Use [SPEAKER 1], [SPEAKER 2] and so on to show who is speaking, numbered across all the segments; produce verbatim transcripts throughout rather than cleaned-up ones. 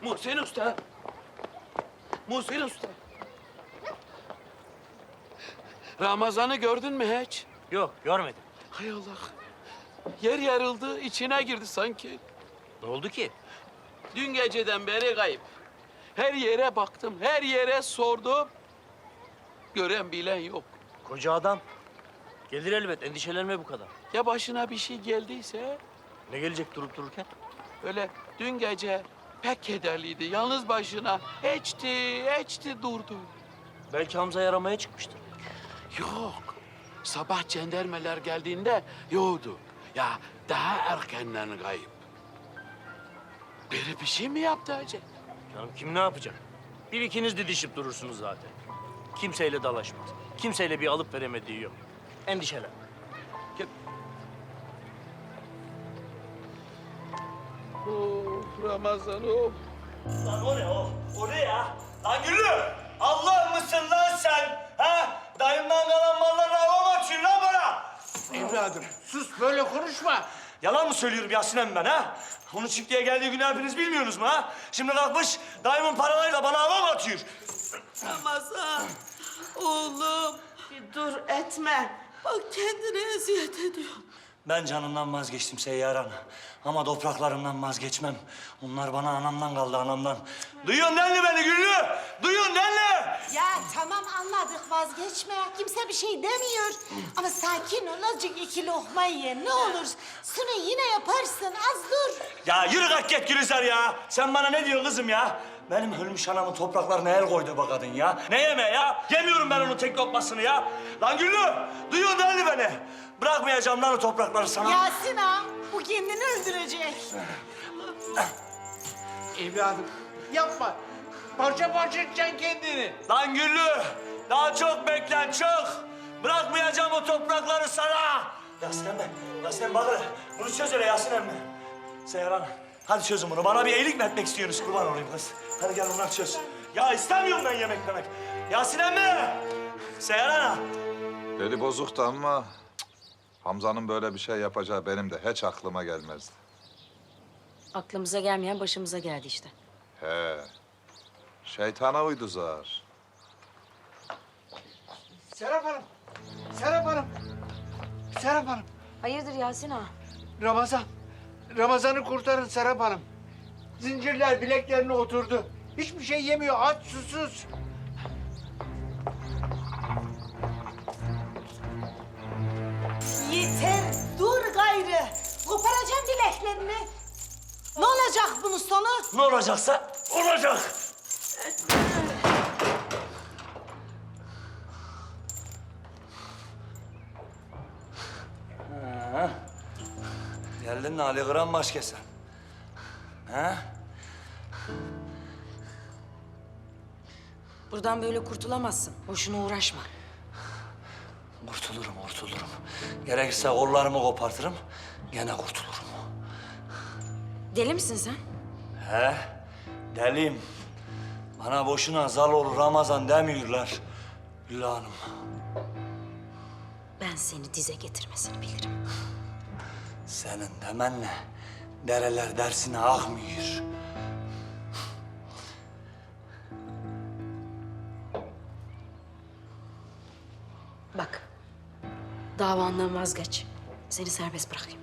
[SPEAKER 1] Muhsin Usta. Muhsin Usta. Ramazan'ı gördün mü hiç?
[SPEAKER 2] Yok, görmedim.
[SPEAKER 1] Hay Allah. Yer yarıldı, içine girdi sanki.
[SPEAKER 2] Ne oldu ki?
[SPEAKER 1] Dün geceden beri kayıp. Her yere baktım, her yere sordum. Gören bilen yok.
[SPEAKER 2] Koca adam. Gelir elbet, endişelenme bu kadar.
[SPEAKER 1] Ya başına bir şey geldiyse?
[SPEAKER 2] Ne gelecek durup dururken?
[SPEAKER 1] Öyle dün gece pek kederliydi. Yalnız başına içti, içti durdu.
[SPEAKER 2] Belki Hamza'yı aramaya çıkmıştır.
[SPEAKER 1] Yok. Sabah cendermeler geldiğinde yoktu. Ya daha erkenden kayıp. Biri bir şey mi yaptı acaba?
[SPEAKER 2] Canım kim ne yapacak? Bir ikiniz didişip durursunuz zaten. Kimseyle dalaşmaz. Kimseyle bir alıp veremediği yok. Endişelenme.
[SPEAKER 1] Of Ramazan of.
[SPEAKER 3] Lan o ne o? O ne ya? Lan Güllü! Allah mısın lan sen? Ha? Dayımdan kalan mallarla hava mı atıyorsun lan bana?
[SPEAKER 4] Evladım sus böyle konuşma.
[SPEAKER 3] Yalan mı söylüyorum Yasin emmi ben ha? Onun çiftliğe geldiği günü hepiniz bilmiyorsunuz mu ha? Şimdi kalkmış dayımın paralarıyla bana hava mı atıyor?
[SPEAKER 5] Ramazan, oğlum bir dur etme. Bak kendine eziyet ediyorsun.
[SPEAKER 3] Ben canımdan vazgeçtim Seyyar Ana. Ama topraklarımdan vazgeçmem. Onlar bana anamdan kaldı, anamdan. Duyuyorsun değil mi beni Güllü? Duyuyorsun değil mi?
[SPEAKER 6] Ya tamam anladık vazgeçme. Kimse bir şey demiyor. Ama sakin ol azıcık iki lokma ye ne olur. Sonra yine yaparsın az dur.
[SPEAKER 3] Ya yürü kalk git Gülizar ya. Sen bana ne diyorsun kızım ya? Benim ölmüş anamın topraklarına el koydu bu kadın ya. Ne yeme ya? Yemiyorum ben onun tek lokmasını ya. Lan Güllü, duyuyorsun değil mi beni? Bırakmayacağım lan o toprakları sana.
[SPEAKER 6] Yasin ağa bu kendini öldürecek.
[SPEAKER 4] Evladım yapma. Parça parça edeceksin kendini.
[SPEAKER 3] Lan Güllü, daha çok beklen çok. Bırakmayacağım o toprakları sana. Yasin emmi, Yasin emmi bak hele. Bunu çöz hele Yasin emmi. Seyran, hadi çözün bunu. Bana bir iyilik mi etmek istiyorsunuz? Kurban olayım kız. Hadi gel bunları çöz. Ya istemiyorum ben yemek yemek. Yasin emmi! Seyran.
[SPEAKER 7] Eli bozuktu ama cık, Hamza'nın böyle bir şey yapacağı benim de hiç aklıma gelmezdi.
[SPEAKER 8] Aklımıza gelmeyen başımıza geldi işte.
[SPEAKER 7] He, şeytana uydu zar.
[SPEAKER 4] Serap Hanım. Serap Hanım. Serap Hanım.
[SPEAKER 8] Hayırdır Yasin ağa?
[SPEAKER 4] Ramazan. Ramazan'ı kurtarın Serap Hanım. Zincirler bileklerine oturdu. Hiçbir şey yemiyor. Aç susuz.
[SPEAKER 6] Yeter dur gayrı. Koparacağım bileklerini. Ne olacak bunun sonu?
[SPEAKER 3] Ne olacaksa olacak. Ha. Geldin mi Ali Kıran baş kesen? Ha?
[SPEAKER 8] Buradan böyle kurtulamazsın. Boşuna uğraşma.
[SPEAKER 3] Kurtulurum, kurtulurum. Gerekirse kollarımı kopartırım, gene kurtulurum.
[SPEAKER 8] Deli misin sen?
[SPEAKER 3] He, deliyim. Bana boşuna zal olur Ramazan demiyorlar Güllü Hanım.
[SPEAKER 8] Ben seni dize getirmesini bilirim.
[SPEAKER 3] Senin demenle dereler dersine akmıyor.
[SPEAKER 8] Bak, davandan vazgeç. Seni serbest bırakayım.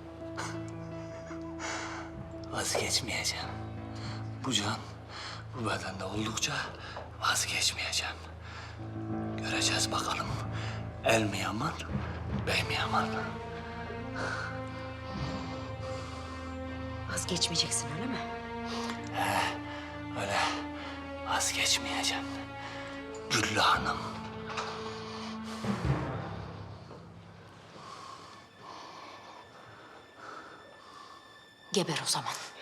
[SPEAKER 3] Vazgeçmeyeceğim. Bu can bu bedende oldukça vazgeçmeyeceğim. Göreceğiz bakalım el mi yaman, bey mi yaman?
[SPEAKER 8] Vazgeçmeyeceksin öyle mi?
[SPEAKER 3] Öyle vazgeçmeyeceğim. Güllü Hanım.
[SPEAKER 8] Geber o zaman.